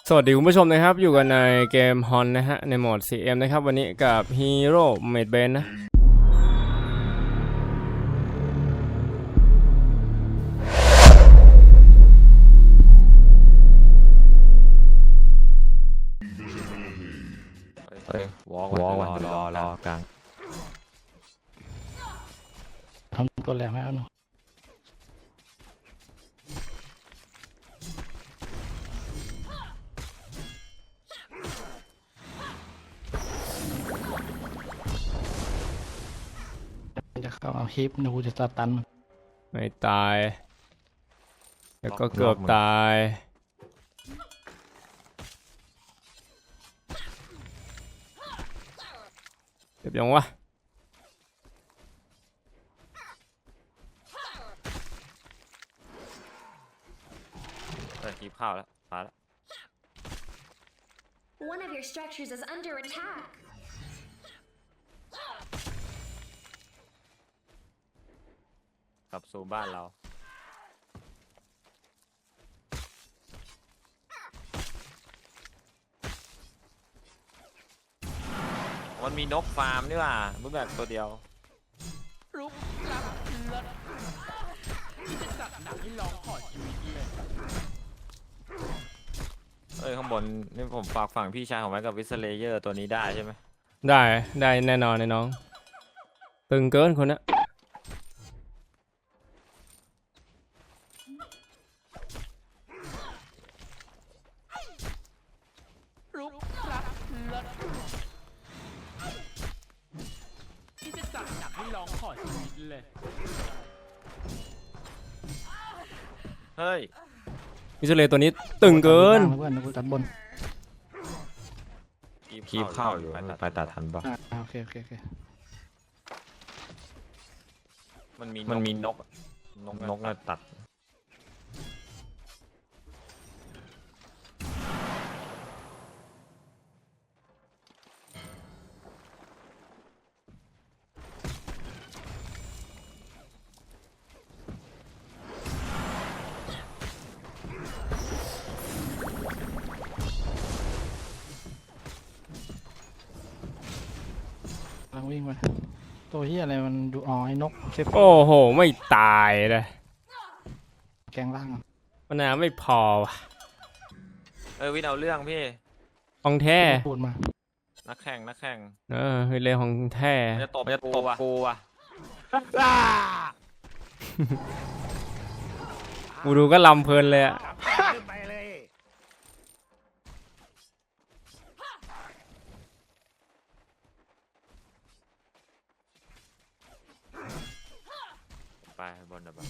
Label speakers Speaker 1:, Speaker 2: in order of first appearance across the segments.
Speaker 1: สวัสดีคุณผู้ชมนะครับอยู่กันในเกมฮอนนะฮะในโหมด CM นะครับวันนี้กับฮีโร่เมดเบนนะ
Speaker 2: วอล์กวันรอกลาง
Speaker 3: ทำตัวแรงให้เอาหน่อยจะเข้าเอาฮิปนูจะสตันมัน
Speaker 1: ไม่ตายแล้วก็เกือบตายเจ็บยังวะ
Speaker 2: คีบข้าวแล้วมาแล้ว
Speaker 4: One of your structures is under attack.
Speaker 2: กลับสู่บ้านเรามันมีนกฟาร์มนี่ว่ามึงแบบตัวเดียว
Speaker 5: รุกรับเลิศที่จะจัดหนักให้ลองขอชีวิตเลย
Speaker 2: ข้างบนนี่ผมฝากฝั่งพี่ชายของไว้กับวิสเลเยอร์ตัวนี้ได้ใช่ไหม
Speaker 1: ได้แน่นอนน้องตึงเกินคนนะ
Speaker 5: รุกรับเลิศที่จะจัดหนักให้ลองขอชีวิตเลย
Speaker 2: เฮ้ย
Speaker 1: วิสเลตัวนี้ตึงเกิน
Speaker 3: เพื่อนนูตัดบน
Speaker 2: คีบข้าวอยู่ไปตัดทันปะ
Speaker 3: โอเค
Speaker 2: มันมีนกน่ะตัด
Speaker 3: กำลังวิ่งไปตัวที่อะไรมันดูอ๋อไอ้นกเซฟ
Speaker 1: โอ้โหไม่ตายเลย
Speaker 3: แกงล่าง
Speaker 1: มันน้ำไม่พอว่ะ
Speaker 2: วินเอาเรื่องพี่
Speaker 1: ของแท้
Speaker 3: พูดมา
Speaker 2: นักแข่ง
Speaker 1: เรื่องของแท้
Speaker 2: จะตบกูว่ะ
Speaker 1: กูดูก็ลำเพลินเลยอะ
Speaker 2: ไปบนแบบ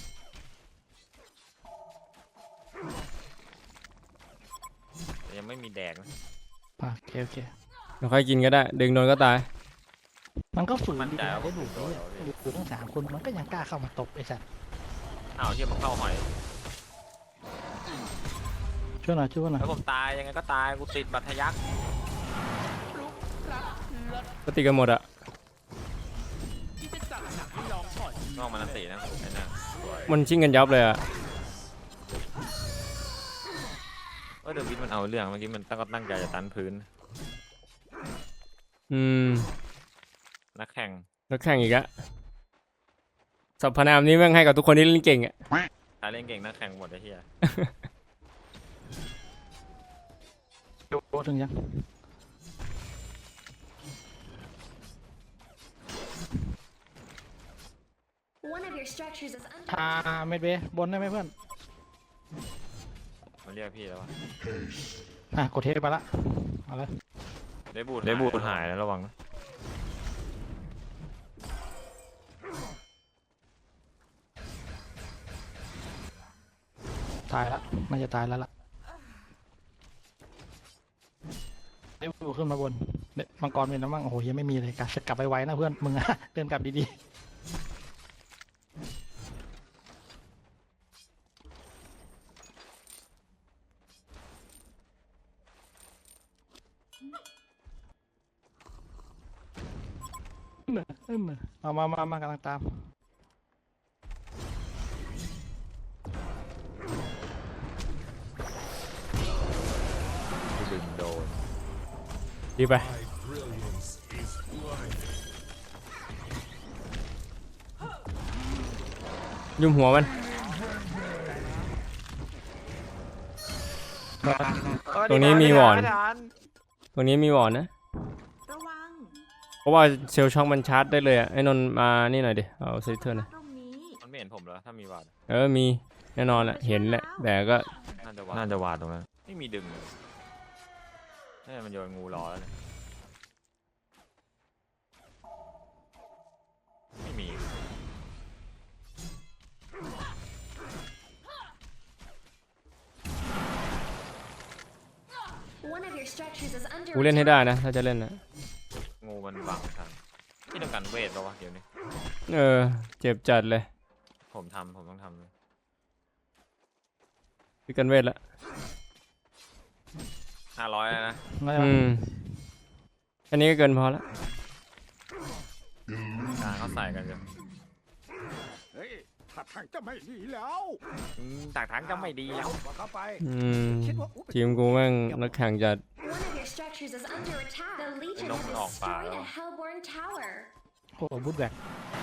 Speaker 2: ยังไม่มีแดกนะ
Speaker 3: โอเค
Speaker 1: เราค่อยกินก็ได้ดึงโดนก็ตาย
Speaker 3: มันก็ฝืนดีได้ดูดูทั้ง3 คนมันก็ยังกล้าเข้ามาตบไอ้สัตว์
Speaker 2: เที่ยมันเข้าหอย
Speaker 3: ช่วยหน่อย
Speaker 2: แล้วผมตายยังไงก็ตายกูติดบัตรทะยัก
Speaker 1: ก็ติดกันหมดอะ
Speaker 2: นอกมันนั่นตีนะ
Speaker 1: มันชิงกันยับเลยอะ
Speaker 2: เดี๋ยววิทมันเอาเรื่องเมื่อกี้มันตั้งใจจะตันพื้นนักแข่ง
Speaker 1: อีกอะสรรพนามนี้แม่งให้กับทุกคนที่เล่นเก่งอะ
Speaker 2: เล่นเก่งนักแข่งหมดไอ้เหี้ย
Speaker 3: ดูถึงยังเมดเบบนได้ไหมเพื่อน
Speaker 2: มันเรียกพี่แล้วว
Speaker 3: ะกดเทปไปละเอาเลย
Speaker 2: ได้บูดหายแล้วระวังนะ
Speaker 3: ตายละน่าจะตายแล้วล่ะได้บูขึ้นมาบนมังกรเป็นน้ำมั่งโอ้โหยังไม่มีเลยกลับไปไว้นะเพื่อนมึงอะเดินกลับดีๆมากำลังตาม
Speaker 2: ดึงโดน
Speaker 1: ดีไปยุ่มหัวมัน ตรงนี้มีหวอน ตรงนี้มีหวอนนะ
Speaker 6: ระวัง
Speaker 1: เพราะว่าเซลล์ช็อคมันชาร์จได้เลยอ่ะไอ้นนท์มานี่หน่อยดิเอาซิเทอร์หน่อย
Speaker 6: ตรงนี้
Speaker 2: มันไม่เห็นผมแล้วถ้ามีวาด
Speaker 1: มีแน่นอนแหละเห็นแหละแต่ก็
Speaker 2: น่าจะวาดตรงนั้นไม่มีดึงเลยนี่มันโยนงูรอแล้วเนี่ยไม่มี
Speaker 4: One of your structures is under
Speaker 1: กูเล่นให้
Speaker 4: attack.
Speaker 1: ได้นะถ้าจะเล่นนะ
Speaker 2: งูมันบังทางที่ต้องการเวทปะวะเดี๋ยวนี้
Speaker 1: เจ็บจัดเลย
Speaker 2: ผมต้องทำเลย
Speaker 1: พิกันเวทละ
Speaker 2: 500แล้วนะ
Speaker 3: ไม่
Speaker 1: อันนี้ก็เกินพอละ
Speaker 2: กลางเขาใส่กันกัน
Speaker 7: เฮ้ยถ้าทางจะไม่ดีแล้ว
Speaker 2: ตากทางจะไม่ดีแล้ว
Speaker 7: ว่าเข้าไป
Speaker 1: ทีมกูแม่งนักแข่งจัด
Speaker 4: One of your structures is under attack. The Legion
Speaker 2: Nó
Speaker 4: has
Speaker 2: không ọt vào
Speaker 4: destroyed a
Speaker 2: đâu.
Speaker 4: Hellborn tower.
Speaker 3: โอ้โหบูทแบก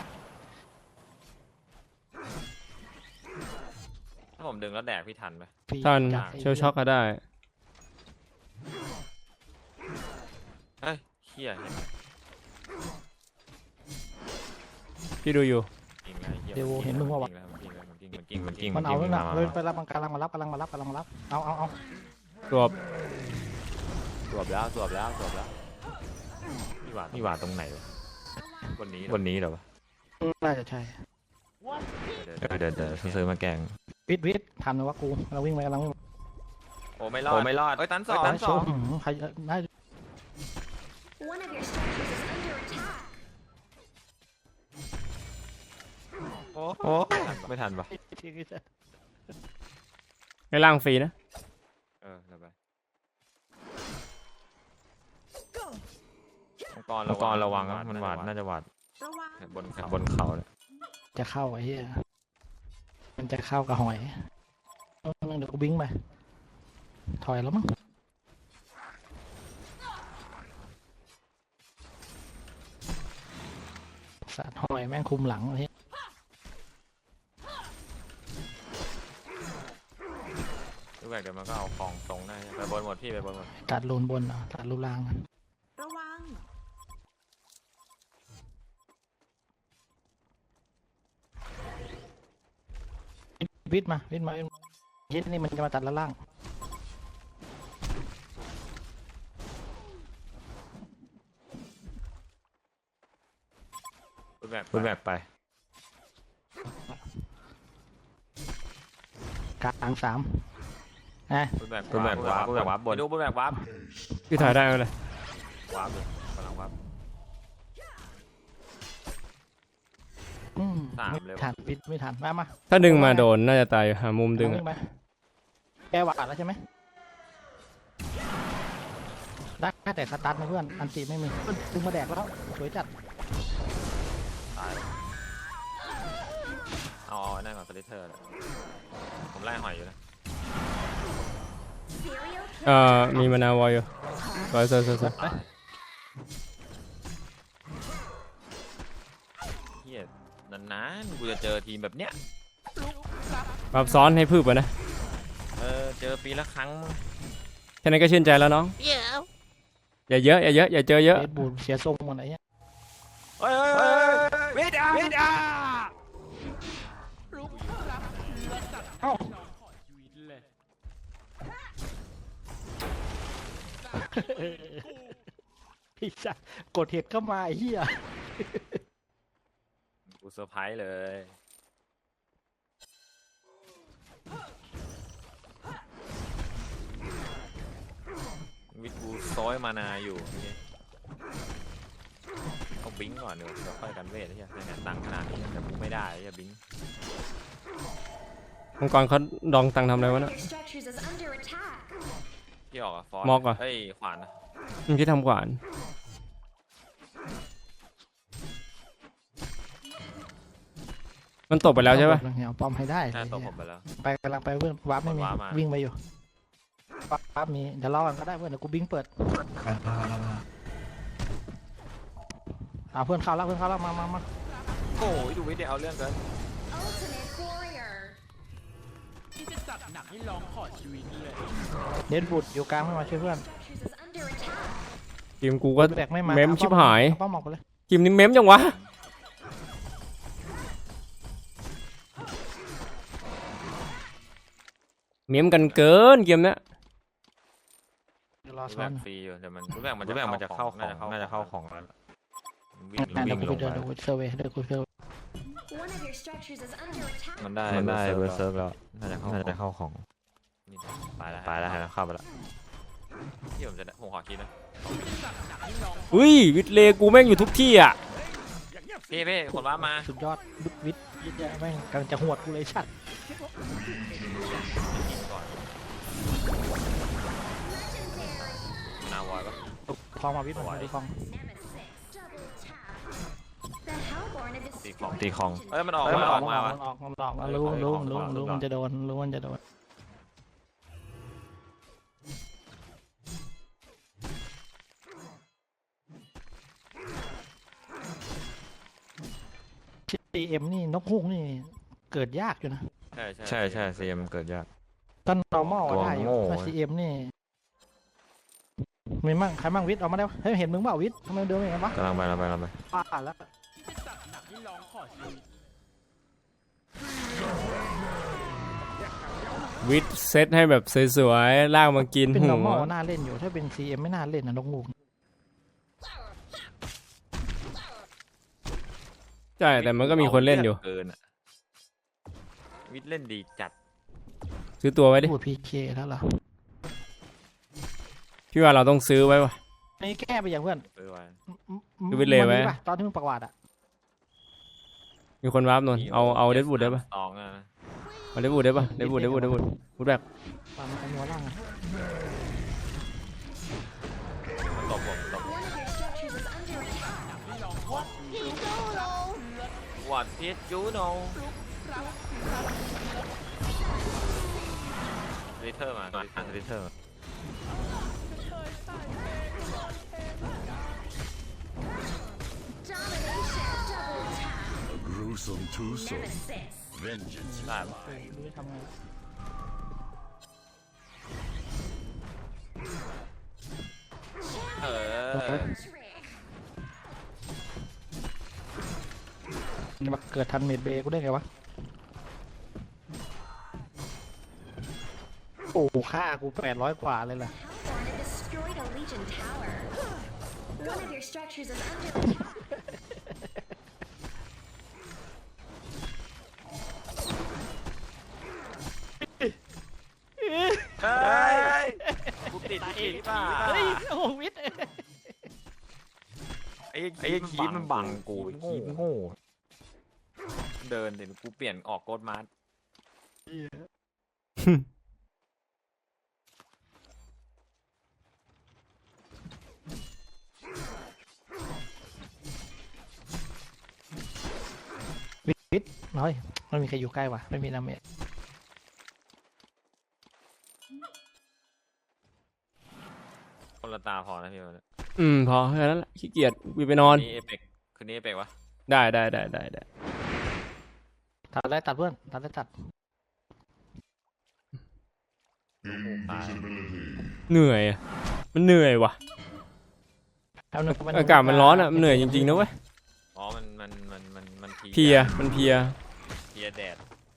Speaker 2: ถ้าผมดึงแล้วแดกพี่ทันไหม
Speaker 1: ทัน
Speaker 3: จัดไ
Speaker 1: เชลช็อกก็ได้
Speaker 2: เฮ้ยเขี้ยเห็นไหม
Speaker 1: พี่ดูอยู่
Speaker 2: กินแล้วเหี้ย
Speaker 3: เดี๋ยวเห็นมึงว่าวะ
Speaker 2: มันกิ้ง
Speaker 3: มันเอาแล้วนะ
Speaker 2: มา
Speaker 3: เลยไปรับมันกำลังมารับเอา
Speaker 1: ตัว
Speaker 2: สวบแล้วนี่หวาดตรงไหนวะบนนี้เหรอวะ
Speaker 3: น่าจะใช่
Speaker 2: เดี๋ยวซื้อมาแกง
Speaker 3: วิททำนะว่ากูเราวิ่งไปกำลังวิ่ง
Speaker 2: โอ้ไม่รอดเอ้ยตันสอง
Speaker 3: ใครน่า
Speaker 4: One of your structures is under attack.
Speaker 2: โอ้ไม่ทันปะ
Speaker 1: ให้ล่างฟรีนะ
Speaker 2: เดี๋ยวไปมังกรระวังมันหวาดน่าจะหวาด
Speaker 6: ระวัง
Speaker 2: บนเขาเลย
Speaker 3: จะเข้าไอ้เหี้ยมันจะเข้ากับหอยเดี๋ยวกูวิ่งไปถอยแล้วมั้งสัตว์หอยแม่งคุมหลังไอ้เหี้ย
Speaker 2: ทุกอย่างเดี๋ยวมันก็เอาของตรงได้ไปบนหมดพี่ไปบนหมด
Speaker 3: ตัดรูนบนตัดรูล่าง
Speaker 6: ระวัง
Speaker 3: วิทมาเย็ดนี่มันจะมาตัดละล่าง
Speaker 2: พูดแบบไป
Speaker 3: กลางสาม
Speaker 2: พูดแบบวาร์ปบนดูพูดแบบวาร์ป
Speaker 1: พี่ถ่ายได้ไหมเลยว
Speaker 2: าร์ปเลยกำลังวาร์ป สามเลย
Speaker 3: ทันวิทไม่ทันมา
Speaker 1: ถ้าดึงมาโดนน่าจะตายอยู่หามุมดึง
Speaker 3: วิ่
Speaker 1: อะ
Speaker 3: ไปแกหวาดแล้วใช่ไหมได้แต่สตาร์ทนะเพื่อนอันตีไม่มีดึงมาแดกแล้วสวยจัด
Speaker 2: ตายเลยเอานั่นก่อนสลิเทอร์ผมไล่หอยอยู่นะ
Speaker 4: Serial
Speaker 1: มีมานาวอยอยู่สวย
Speaker 2: เฮียนานๆกูจะเจอทีมแบบเนี้ย
Speaker 1: ปรับซ้อนให้พืบไปนะ
Speaker 2: เจอปีละครั้ง
Speaker 1: แค่นั้นก็ชื่นใจแล้วน้องอย่าเยอะอย่าเจอเยอะ
Speaker 3: เบสบูดเสียทรงหมดอะไรเงี้ย
Speaker 2: เฮ้ยเวทอา
Speaker 5: ลุกรับและจัด
Speaker 3: เอ้า
Speaker 5: ขอชีวิตเลย
Speaker 3: พี่จัดกดเห็ดเข้ามาไอ้เหี้ย
Speaker 2: กูเซอร์ไพรส์เลยวิทบูซอยมานาอยู่เอาบิงก่อนเดี๋ยวค่อยกันเวทใช่ไหมเนี่ยตังขนาดนี้แต่กูไม่ได้จะบิง
Speaker 1: มังกรเขาดองตังทำอะไรวะ
Speaker 4: One
Speaker 1: น่ะ
Speaker 4: of your structures is under attack.
Speaker 2: ที่ออกอะฟอร์
Speaker 1: มอกอะ
Speaker 2: เฮ้ยขวานนะ
Speaker 1: มึงคิดทำขวานมันตกไปแล้วใช่ปะ
Speaker 3: เอาป้อมให้ได้
Speaker 2: หน้าตัวผมไปแล้ว
Speaker 3: ไปกำลังไปเพื่อนวาร์ปไม่มี
Speaker 2: วาร์ปมา
Speaker 3: วิ่งไปอยู่ปั๊บมีเดี๋ยวรอกันก็ได้เพื่อนเดี๋ยวกูบิงเปิดเพื่อนเข้าแล้วมา
Speaker 2: โอ้ยดูวิดีโอเอาเรื่องเกิน
Speaker 4: Ultimate warrior.
Speaker 5: ที่จะจัดหนักให้ลองขอชีวิตเลย
Speaker 3: เดนบุดอยู่กลางไม่มาช่วยเพื่อน
Speaker 4: Structures is under attack.
Speaker 1: ทีมกูก็
Speaker 3: แบกไม่มา
Speaker 1: เมมชิบหาย
Speaker 3: ป้อมออกไปเลย
Speaker 1: ทีมนี้เมมจังวะเมมกันเกินเกมเนี้ย
Speaker 3: เดี๋ยวรอ
Speaker 2: รู้
Speaker 3: ซ้อ
Speaker 2: แบ่
Speaker 3: น
Speaker 2: งฟรีอยู่เดี๋ยวมันรู้แบ่งมันจะเข้าของน่าจะเข้าของแล้ววิ่ง
Speaker 3: เดี๋ยว
Speaker 2: วิ่ง
Speaker 3: กู
Speaker 2: ลง
Speaker 3: เดิน
Speaker 2: ไป
Speaker 3: ดูเซอร์เวย์เดี๋ยวกูเซอร์เวย์
Speaker 4: One of your structures is under attack.
Speaker 2: มันได้เบอร์เซิร์ฟแล้วน่าจะเข้าของนี่ตายแล้วเข้าไปแล้วที่ผมขอคิดนะ
Speaker 1: อุ้ยวิทเลกูแม่งอยู่ทุกที่อ่ะ
Speaker 2: พี่คนว่ามา
Speaker 3: สุดยอดวิทย์เยอะแม่งกำลังจะหวดกูเลยชัด
Speaker 2: ก่อนนาวอยปะ
Speaker 3: คลองมาวิทย์มาดูคลอง
Speaker 4: Nemesis. Double tap. The Hellborn have
Speaker 2: ตีของ
Speaker 4: destroyed
Speaker 2: เอ้ยมันออก
Speaker 3: มันออก
Speaker 2: มา
Speaker 3: มันออกรู้มันจะโดนซีเอ็มนี่นกฮูกนี่เกิดยากอยู่นะ
Speaker 2: ใช่ซีเอ็มเกิดยาก
Speaker 3: ตอน normal
Speaker 2: ตัว
Speaker 3: ได้อยู่
Speaker 2: โง่
Speaker 3: ถ้าซีเอ็มนี่มีมั่งใครมั่งวิทย์ออกมาได้เฮ้ยเห็นมึงเปล่าวิทย์ทำไมเดินอย่างนั้นวะ
Speaker 2: กำลังไป
Speaker 3: ป้าแล้ว
Speaker 5: ที่จะจัดหนักให้ลองขอชีวิต
Speaker 1: วิทเซตให้แบบสวยๆลากมากิน
Speaker 3: เป็น
Speaker 1: หั
Speaker 3: normal
Speaker 1: ว
Speaker 3: น่าเล่นอยู่ถ้าเป็น CM ไม่น่าเล่นนะนกฮูก
Speaker 1: ใช่แต่มันก็มีคนเล่นอยู่
Speaker 2: เกินอะวิทย์เล่นดีจัด
Speaker 1: ซื้อตัวไว้ดิ
Speaker 3: พูด PK แล้วเหรอ
Speaker 1: พี่ว่าเราต้องซื้อไว้วะ
Speaker 3: นี่แก้ไปอย่างเพื่อน
Speaker 2: ซื้อไว้
Speaker 1: ดูวิทย์เลยไว้
Speaker 3: มันมีปะตอนที่มึงประวัติอ่ะ
Speaker 1: มีคนวาร์ปนนเอาเดดบูดได้ปะ
Speaker 2: ตองอะนะ
Speaker 1: เอาเดดบูดได้ปะเดดบูดแบบ
Speaker 3: ตอนมันหัวล่างอะ
Speaker 2: มันตบผม
Speaker 4: one of your structures is under attack.
Speaker 2: วัดพิษจูโนลิเทอร์มาลิเทอร์
Speaker 4: Domination. Double tap.
Speaker 7: A gruesome twosome.
Speaker 4: Nemesis.
Speaker 7: Vengeance.
Speaker 2: ได้ปะ
Speaker 3: รู้จะทำไง
Speaker 2: เออ
Speaker 4: Trick.
Speaker 3: มันมาเกิดทันเมดเบย์กูได้ไงวะโอ้ค่ากู800 กว่าเลยล่ะ
Speaker 4: Hellborn have destroyed a Legion tower. One of your structures is under attack.
Speaker 2: เฮ้ยกูติดป่ะ
Speaker 3: เฮ้ยโอ้โหวิทย์
Speaker 2: ไอ้คีมันบังกูคีโง่เดินเดี๋ยวกูเปลี่ยนออกโกดมาร์
Speaker 3: วิทย์น้อยไม่มีใครอยู่ใกล้ว่ะไม่มีน้ำเมจ
Speaker 2: คนละตาพอนะพี่วัน
Speaker 1: พอแค่นั้นแหละขี้เกียจวีไปนอน
Speaker 2: นี้เอเปกคืนนี้เอเปกวะ
Speaker 1: ได้
Speaker 3: ตัดเลยตัดเพื่อนตัดเลยตัด
Speaker 2: ตาย
Speaker 1: เหนื่อยอะมันเหนื่อยว่ะ
Speaker 3: แล้วนึกว่
Speaker 1: อากาศมันร้อนอ่ะมันเหนื่อยจริงๆนะเว้ย
Speaker 2: อ๋อมัน
Speaker 1: เพลียมันเพลีย
Speaker 2: เพลียแดด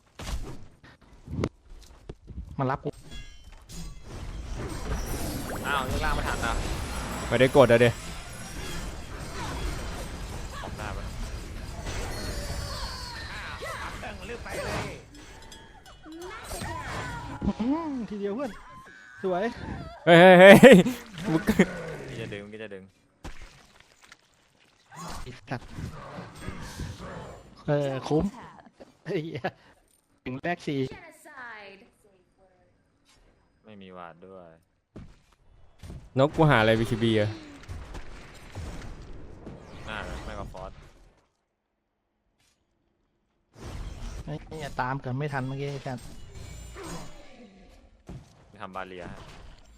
Speaker 3: มันรับกู
Speaker 2: อ้าวยังล่างไม่ทันนะ
Speaker 1: ไม่ได้กดอะเด
Speaker 2: ออกได้ปะ
Speaker 3: ทีเดียวเพื่อนสวย
Speaker 1: เฮ้ยมึง
Speaker 2: พี่จะดึง
Speaker 3: ตัดคุ้มเฮ้ยถึงแรกสี่
Speaker 4: Genocide.
Speaker 2: ไม่มีวาดด้วย
Speaker 1: นกกูหาอะไร BKB อะ
Speaker 2: น่าจะไม่ก็ฟอส
Speaker 3: ไม่ตามเกินไม่ทันเมื่อกี้กัน
Speaker 2: ทำบาเลียฮะ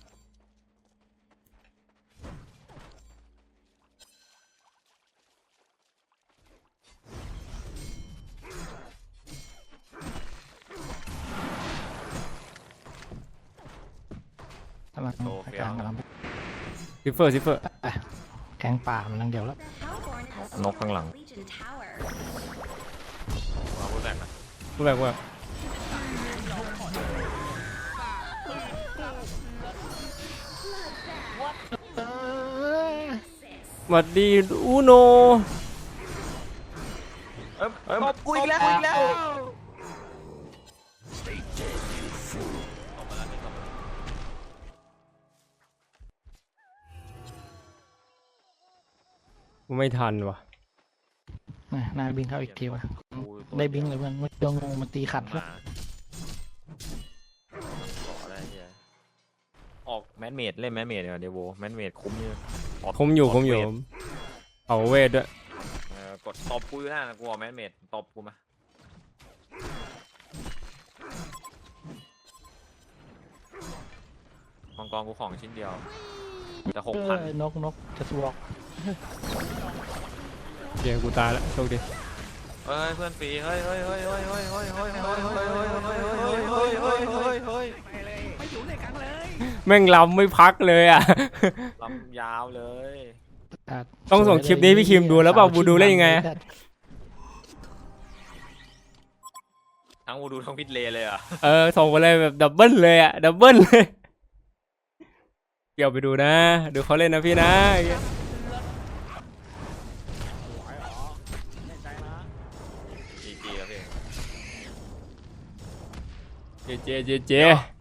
Speaker 2: โชว์เฟี้
Speaker 3: ก
Speaker 2: ยว
Speaker 3: ลางกำลัง
Speaker 1: ซิฟเฟอร์ซิฟเฟอร์
Speaker 3: ไปแกงป่ามันลังเดียวแล้ว
Speaker 4: The Hellborn has
Speaker 2: นกข้างหลัง
Speaker 4: Legion Tower.
Speaker 2: มาพูดแบกนะ
Speaker 1: พูดแบบว่า หวัดดีอูโน
Speaker 2: ตบกูอีกแล้ว
Speaker 1: กูไม่ทันว่ะ
Speaker 3: นายบิงเข้าอีกทีวะได้บิงเลยเพื่อนมันโดนงูมันตีขัด
Speaker 2: มา
Speaker 3: แล้ว
Speaker 2: ต่อได้เฮียออกแมนเมดเล่นแมนเมดเดี๋ยวโวแมนเมดคุ้มอยู่
Speaker 1: คมอยู่เอาเวทด้วย
Speaker 2: กดตบกูอยู่นั่นนะกูเอาแมนเมดตบกูมามังกรกูของชิ้นเดียวแต่6,000
Speaker 3: นกจะสวอก
Speaker 1: เกมกูตายแล้วโชคดี
Speaker 2: เฮ้ยเพื่อนฟรีเฮ้ย
Speaker 5: ไม่อยู่ในกันเลย
Speaker 1: แม่งลำไม่พักเลยอ่ะ
Speaker 2: ลำยาวเลย
Speaker 1: ต้องส่งคลิปนี้พี่คิมดูแล้วเปล่าบูดูเล่นยังไงอะ
Speaker 2: ทั้งวูดูทั้งพิทเลเลยอ่ะ
Speaker 1: ส่งไปเลยแบบดับเบิลเลยอ่ะดับเบิลเลยเดี๋ยวไปดูนะดูเขาเล่นนะพี่นะ
Speaker 2: จีแล้วพี่
Speaker 1: เจ